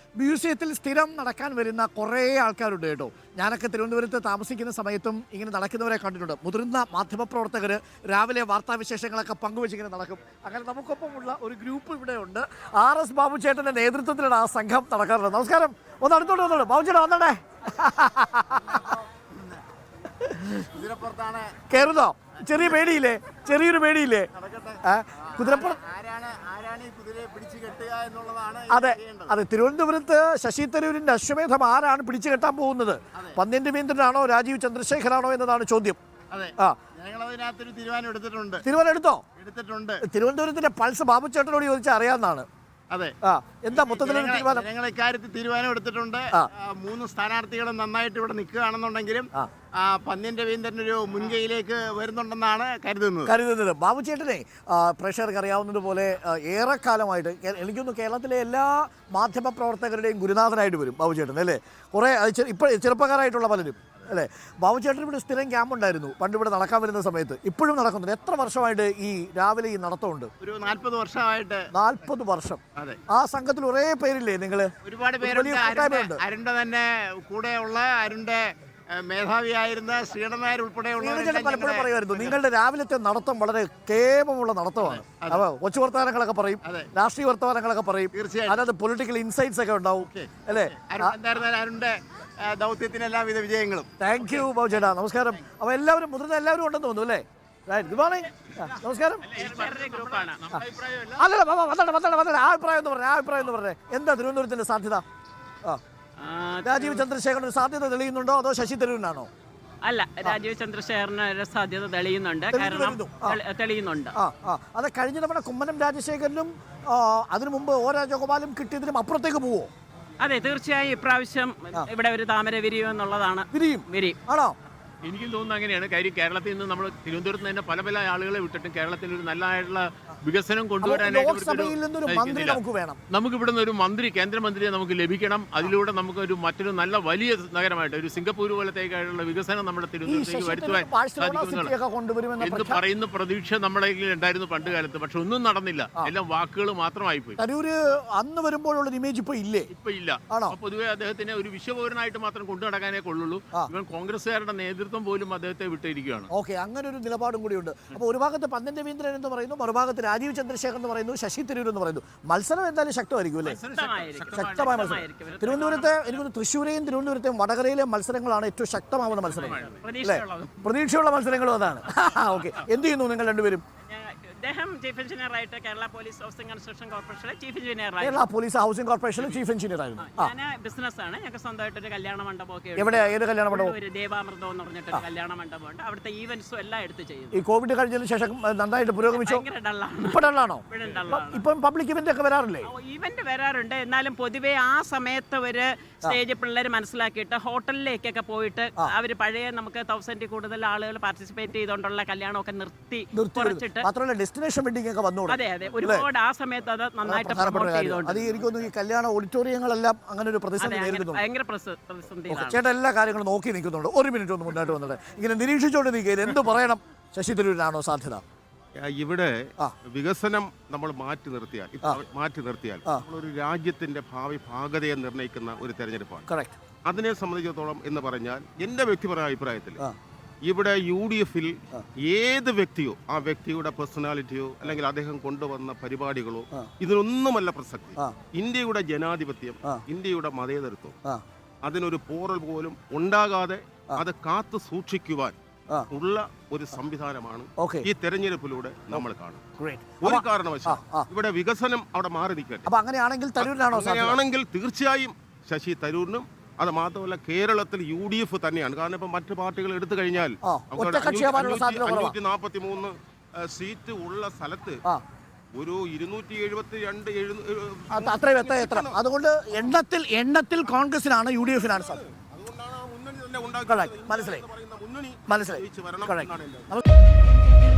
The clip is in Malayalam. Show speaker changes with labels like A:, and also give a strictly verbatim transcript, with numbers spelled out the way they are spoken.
A: മ്യൂസിയത്തിൽ സ്ഥിരം നടക്കാൻ വരുന്ന കുറേ ആൾക്കാരുണ്ട് കേട്ടോ. ഞാനൊക്കെ തിരുവനന്തപുരത്ത് താമസിക്കുന്ന സമയത്തും ഇങ്ങനെ നടക്കുന്നവരെ കണ്ടിട്ടുണ്ട്. മുതിർന്ന മാധ്യമപ്രവർത്തകർ രാവിലെ വാർത്താവിശേഷങ്ങളൊക്കെ പങ്കുവെച്ചിങ്ങനെ നടക്കും. അങ്ങനെ നമുക്കൊപ്പമുള്ള ഒരു ഗ്രൂപ്പ് ഇവിടെ ഉണ്ട്. ആർ എസ് ബാബു ചേട്ടൻ്റെ നേതൃത്വത്തിലാണ് ആ സംഘം നടക്കാറുള്ളത്. നമസ്കാരം. ഒന്ന് അടുത്തോട്ട് വന്നോളൂ. ബാബു ചേട്ടാ വന്നോടേ. കയറുന്നോ? ചെറിയ പേടിയില്ലേ? ചെറിയൊരു പേടിയില്ലേ? കുതിരപ്പുറത്ത് അതെ അതെ തിരുവനന്തപുരത്ത് ശശി തരൂരിന്റെ അശ്വമേധം ആരാണ് പിടിച്ചു കെട്ടാൻ പോകുന്നത്? പന്ന്യൻ രവീന്ദ്രനാണോ രാജീവ് ചന്ദ്രശേഖരാണോ എന്നതാണ് ചോദ്യം. തീരുമാനം എടുത്തോ? എടുത്തിട്ടുണ്ട്. തിരുവനന്തപുരത്തിന്റെ പൾസ് ബാബു ചേട്ടനോട് ചോദിച്ചാൽ അറിയാവുന്നതാണ്.
B: അതെ.
A: എന്താ മൊത്തത്തിലൊരു തീരുമാനം?
B: ഞങ്ങൾ ഇക്കാര്യത്തിൽ തീരുമാനം എടുത്തിട്ടുണ്ട്. മൂന്ന് സ്ഥാനാർത്ഥികളും നന്നായിട്ട് ഇവിടെ നിൽക്കുകയാണെന്നുണ്ടെങ്കിലും പന്ന്യൻ രവീന്ദ്രൻ ഒരു മുൻകൈയിലേക്ക് വരുന്നുണ്ടെന്നാണ് കരുതുന്നത്
A: കരുതുന്നത് ബാബു ചേട്ടനെ പ്രേക്ഷകർക്ക് അറിയാവുന്നതുപോലെ ഏറെക്കാലമായിട്ട് എനിക്കൊന്ന് കേരളത്തിലെ എല്ലാ മാധ്യമ പ്രവർത്തകരുടെയും ഗുരുനാഥനായിട്ട് വരും ബാബു ചേട്ടൻ അല്ലേ. കുറേ ഇപ്പോൾ ചെറുപ്പക്കാരായിട്ടുള്ള പലരും അല്ലേ. ബാബു ചേട്ടൻ ഇവിടെ സ്ഥിരം ക്യാമ്പ് ഉണ്ടായിരുന്നു പണ്ട് ഇവിടെ നടക്കാൻ വരുന്ന സമയത്ത്. ഇപ്പോഴും നടക്കുന്നുണ്ട്. എത്ര വർഷമായിട്ട് ഈ രാവിലെ ഈ നടത്തമുണ്ട്?
B: ഒരു നാൽപ്പത് വർഷമായിട്ട്.
A: നാൽപ്പത് വർഷം. ആ സംഘത്തിൽ ഒരേ പേരില്ലേ നിങ്ങൾ?
B: ഒരുപാട് പേരുണ്ട്. അരുണിന്റെ തന്നെ കൂടെയുള്ള അരുണിന്റെ മേധാവിയായിരുന്ന ശ്രീധരൻ നായർ ഉൾപ്പെടെയുള്ള
A: പലപ്പോഴും പറയുമായിരുന്നു നിങ്ങളുടെ രാവിലത്തെ നടത്തം വളരെ കേമമുള്ള നടത്തമാണ്. അപ്പൊ കൊച്ചു വർത്തമാനങ്ങളൊക്കെ പറയും, രാഷ്ട്രീയ വർത്തമാനങ്ങളൊക്കെ പറയും, അതിനകത്ത് പൊളിറ്റിക്കൽ ഇൻസൈറ്റ്സ് ഒക്കെ ഉണ്ടാവും അല്ലേ.
B: അരുണിന്റെ ദൗത്യത്തിന് എല്ലാവിധ വിജയങ്ങളും.
A: താങ്ക് യു ബാബു ചേട്ടാ. നമസ്കാരം. അപ്പൊ എല്ലാവരും മുതിർന്ന എല്ലാവരും ഉണ്ടെന്ന് തോന്നുന്നു അല്ലേ? Good morning. നമസ്കാരം. അല്ലല്ല ബാബാ വന്നോട്ടെ വന്നോട്ടെ വന്നോട്ടെ. ആ അഭിപ്രായം എന്ന് പറഞ്ഞേ ആ അഭിപ്രായം എന്ന് പറഞ്ഞേ എന്താ തിരുവനന്തപുരത്തിന്റെ സാധ്യത? ആ രാജീവ് ചന്ദ്രശേഖരന് സാധ്യത തെളിയുന്നുണ്ടോ അതോ ശശി തരൂരിനാണോ?
C: അല്ല, രാജീവ് ചന്ദ്രശേഖരന് സാധ്യത തെളിയുന്നുണ്ട്. കാരണം തെളിയുന്നുണ്ട്.
A: ആ ആ അത് കഴിഞ്ഞ നമ്മുടെ കുമ്മനം രാജശേഖരനും അതിനു മുമ്പ് ഒ രാജഗോപാലും കിട്ടിയതിനും അപ്പുറത്തേക്ക് പോവോ?
C: അതെ, തീർച്ചയായും ഇപ്രാവശ്യം ഇവിടെ ഒരു താമര വിരിയും എന്നുള്ളതാണ്.
A: വിരിയും
C: വിരിയും
A: ആണോ?
D: എനിക്കും തോന്നുന്നു അങ്ങനെയാണ്. കാര്യം കേരളത്തിൽ നിന്ന് നമ്മൾ തിരുവനന്തപുരത്ത് തന്നെ പല പല ആളുകളെ വിട്ടിട്ടും കേരളത്തിൽ ഒരു നല്ലതായിട്ടുള്ള വികസനം കൊണ്ടുവരാനായിട്ട് നമുക്ക് ഇവിടുന്ന് ഒരു മന്ത്രി കേന്ദ്രമന്ത്രിയെ നമുക്ക് ലഭിക്കണം. അതിലൂടെ നമുക്ക് ഒരു മറ്റൊരു നല്ല വലിയ നഗരമായിട്ട് ഒരു സിംഗപ്പൂർ പോലത്തേക്കായിട്ടുള്ള വികസനം നമ്മുടെ തിരുവനന്തപുരത്തേക്ക് വരുത്തുവാൻ സാധിക്കുമെന്നാണ് എന്ന് പറയുന്ന പ്രതീക്ഷ നമ്മുടെ ഉണ്ടായിരുന്നു പണ്ട് കാലത്ത്. പക്ഷെ ഒന്നും നടന്നില്ല. എല്ലാം വാക്കുകൾ മാത്രമായി പോയി.
A: അന്ന് വരുമ്പോഴുള്ള ഇമേജ് ഇപ്പൊ ഇല്ലേ?
D: ഇപ്പൊ ഇല്ല. പൊതുവെ അദ്ദേഹത്തിനെ ഒരു വിശ്വപൗരനായിട്ട് മാത്രം കൊണ്ടു നടക്കാനേ കൊള്ളുള്ളൂ. ഇവൻ കോൺഗ്രസുകാരുടെ നേതൃത്വം പോലും അദ്ദേഹത്തെ വിട്ടിരിക്കുകയാണ്.
A: ഓക്കെ, അങ്ങനെ ഒരു നിലപാടും കൂടിയുണ്ട്. അപ്പോൾ ഒരു ഭാഗത്ത് പന്ന്യൻ രവീന്ദ്രൻ എന്ന് പറയുന്നു, മറുഭാഗത്ത് രാജീവ് ചന്ദ്രശേഖർ എന്ന് പറയുന്നു, ശശി തരൂർ എന്ന് പറയുന്നു. മത്സരം എന്തായാലും ശക്തമായിരിക്കും അല്ലേ? ശക്തമായ മത്സരം. തിരുവനന്തപുരത്തെ എനിക്ക് തൃശ്ശൂരെയും തിരുവനന്തപുരത്തെയും വടകരയിലെ മത്സരങ്ങളാണ് ഏറ്റവും ശക്തമാവുന്ന മത്സരങ്ങൾ അല്ലേ? പ്രതീക്ഷയുള്ള മത്സരങ്ങളും അതാണ്. ഓക്കെ, എന്ത് ചെയ്യുന്നു നിങ്ങൾ രണ്ടുപേരും?
C: അദ്ദേഹം ചീഫ് എഞ്ചിനീയർ ആയിട്ട് കേരള പോലീസ് ഹൗസിംഗ് കൺസ്ട്രക്ഷൻ കോർപ്പറേഷനിലെ ചീഫ് എഞ്ചിനീയർ ആയിരുന്നു.
A: കേരള പോലീസ് ഹൗസിംഗ് കോർപ്പറേഷനിലെ ചീഫ് എഞ്ചിനീയർ ആയിരുന്നു.
C: ഞാൻ ബിസിനസ്സാണ്. ഞങ്ങൾക്ക് സ്വന്തമായിട്ട് ഒരു കല്യാണ മണ്ഡപമൊക്കെ.
A: എവിടെ? ഏത് കല്യാണ മണ്ഡപം?
C: ഒരു ദേവാമൃതം എന്ന് പറഞ്ഞിട്ട് ഒരു കല്യാണ മണ്ഡപമുണ്ട്. അവിടുത്തെ ഈവന്റ്സും എല്ലാം എടുത്ത് ചെയ്യും.
A: ഈ കോവിഡ് കഴിഞ്ഞതിന് ശേഷം നന്നായിട്ട് പുരോഗമിച്ചു. ഇപ്പൊ ഡള്ളാണോ? ഇപ്പം പബ്ലിക് ഇവന്റ് ഒക്കെ വരാറില്ലേ?
C: ഇവന്റ് വരാറുണ്ട്. എന്നാലും പൊതുവേ ആ സമയത്ത് ഒരു സ്റ്റേജ് പിള്ളേർ മനസ്സിലാക്കിയിട്ട് ഹോട്ടലിലേക്കൊക്കെ പോയിട്ട് അവർ പഴയ നമുക്ക് തൗസൻഡിൽ കൂടുതൽ ആളുകൾ പാർട്ടിസിപ്പേറ്റ് ചെയ്തുകൊണ്ടുള്ള കല്യാണമൊക്കെ നിർത്തി കുറച്ചിട്ട്
A: മാത്രമല്ല ഡെസ്റ്റിനേഷൻ വെഡിങ് ഒക്കെ വന്നു.
C: അതെ അതെ, ഒരുപാട് ആ സമയത്ത് അത് നന്നായിട്ട് പ്രൊമോട്ട് ചെയ്തുകൊണ്ട്.
A: അത് എനിക്ക് തോന്നുന്നു ഈ കല്യാണ ഓഡിറ്റോറിയങ്ങളെല്ലാം അങ്ങനെ ഒരു പ്രതിസന്ധി നേരിടുന്നു.
C: ഭയങ്കര പ്രതിസന്ധിയാണ്.
A: ചേട്ടാ എല്ലാ കാര്യങ്ങളും നോക്കി നിൽക്കുന്നുണ്ട്. ഒരു മിനിറ്റ് ഒന്ന് മുന്നോട്ട് വന്നിട്ട് ഇങ്ങനെ നിരീക്ഷിച്ചുകൊണ്ട് നിൽക്കുക. എന്ത് പറയണം? ശശി തരൂരിനാണോ സാധ്യത?
E: ഇവിടെ വികസനം നമ്മൾ മാറ്റി നിർത്തിയാൽ മാറ്റി നിർത്തിയാൽ നമ്മളൊരു രാജ്യത്തിന്റെ ഭാവി ഭാഗതയെ നിർണ്ണയിക്കുന്ന ഒരു തെരഞ്ഞെടുപ്പാണ്. അതിനെ സംബന്ധിച്ചിടത്തോളം എന്ന് പറഞ്ഞാൽ എന്റെ വ്യക്തിപരമായ അഭിപ്രായത്തിൽ ഇവിടെ യു ഡി എഫിൽ ഏത് വ്യക്തിയോ ആ വ്യക്തിയുടെ പേഴ്സണാലിറ്റിയോ അല്ലെങ്കിൽ അദ്ദേഹം കൊണ്ടുവന്ന പരിപാടികളോ ഇതിനൊന്നുമല്ല പ്രസക്തി. ഇന്ത്യയുടെ ജനാധിപത്യം, ഇന്ത്യയുടെ മതേതരത്വം അതിനൊരു പോറൽ പോലും ഉണ്ടാകാതെ അത് കാത്തു സൂക്ഷിക്കുവാൻ ഉള്ള ഒരു സംവിധാനമാണ് ഈ തെരഞ്ഞെടുപ്പിലൂടെ നമ്മൾ കാണുന്നത്. ഒരു കാരണവശാലും ഇവിടെ വികസനം അവിടെ മാറി നിൽക്കട്ടെ. അങ്ങനെയാണെങ്കിൽ തീർച്ചയായും ശശി തരൂരിനും, അത് മാത്രമല്ല കേരളത്തിൽ യു ഡി എഫ് തന്നെയാണ്. കാരണം ഇപ്പൊ മറ്റു പാർട്ടികൾ എടുത്തു കഴിഞ്ഞാൽ അഞ്ഞൂറ്റി നാപ്പത്തി മൂന്ന് സീറ്റ് ഉള്ള സ്ഥലത്ത് ഒരു ഇരുന്നൂറ്റി എഴുപത്തി രണ്ട്
A: അത്രയും എത്ര എത്ര അതുകൊണ്ട് എണ്ണത്തിൽ എണ്ണത്തിൽ കോൺഗ്രസിനാണ് യു ഡി എഫിനാണ് സാധ്യത.
E: അതുകൊണ്ടാണ് മുന്നണി തന്നെ ഉണ്ടാക്കി.
A: മനസ്സിലായി മനസ്സിലായി
E: വരണം.